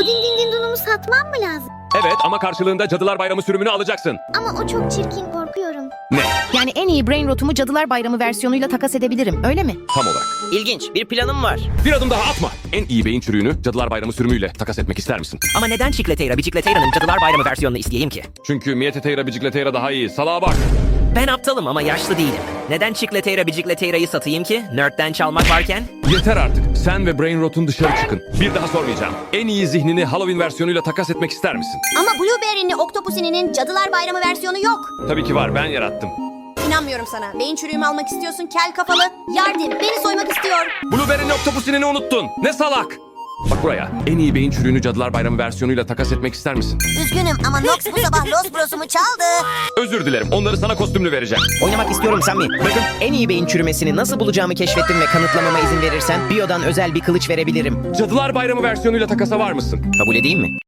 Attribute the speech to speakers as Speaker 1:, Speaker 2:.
Speaker 1: O din din din dunumu satmam mı lazım?
Speaker 2: Evet ama karşılığında Cadılar Bayramı sürümünü alacaksın.
Speaker 1: Ama o çok çirkin, korkuyorum.
Speaker 2: Ne?
Speaker 3: Yani en iyi brain rotumu Cadılar Bayramı versiyonuyla takas edebilirim, öyle mi?
Speaker 2: Tam olarak.
Speaker 4: İlginç, bir planım var.
Speaker 2: Bir adım daha atma. En iyi beyin çürüğünü Cadılar Bayramı sürümüyle takas etmek ister misin?
Speaker 4: Ama neden Chicleteira, Bicicleteira'nın Cadılar Bayramı versiyonunu isteyeyim ki?
Speaker 2: Çünkü Mieteteira Bicicleteira daha iyi. Salağa bak.
Speaker 4: Ben aptalım ama yaşlı değilim. Neden Chicleteira, Bicicleteira'yı satayım ki? Nerd'den çalmak varken?
Speaker 2: Yeter artık. Sen ve Brain Rot'un dışarı çıkın. Bir daha sormayacağım. En iyi zihnini Halloween versiyonuyla takas etmek ister misin?
Speaker 5: Ama Blueberry'nin Octopuss'inin Cadılar Bayramı versiyonu yok.
Speaker 2: Tabii ki var. Ben yarattım.
Speaker 5: İnanmıyorum sana. Beyin çürüğümü almak istiyorsun kel kafalı. Yardım, beni soymak istiyor.
Speaker 2: Blueberry'nin Octopus'ini unuttun. Ne salak. Bak buraya. En iyi beyin çürüğünü Cadılar Bayramı versiyonuyla takas etmek ister misin?
Speaker 5: Üzgünüm ama Nox bu sabah Los Bros'umu çaldı.
Speaker 2: Özür dilerim. Onları sana kostümlü vereceğim.
Speaker 4: Oynamak istiyorum Sammy.
Speaker 2: Bakın.
Speaker 4: En iyi beyin çürümesini nasıl bulacağımı keşfettim ve kanıtlamama izin verirsen Bio'dan özel bir kılıç verebilirim.
Speaker 2: Cadılar Bayramı versiyonuyla takasa var mısın?
Speaker 4: Kabul edeyim mi?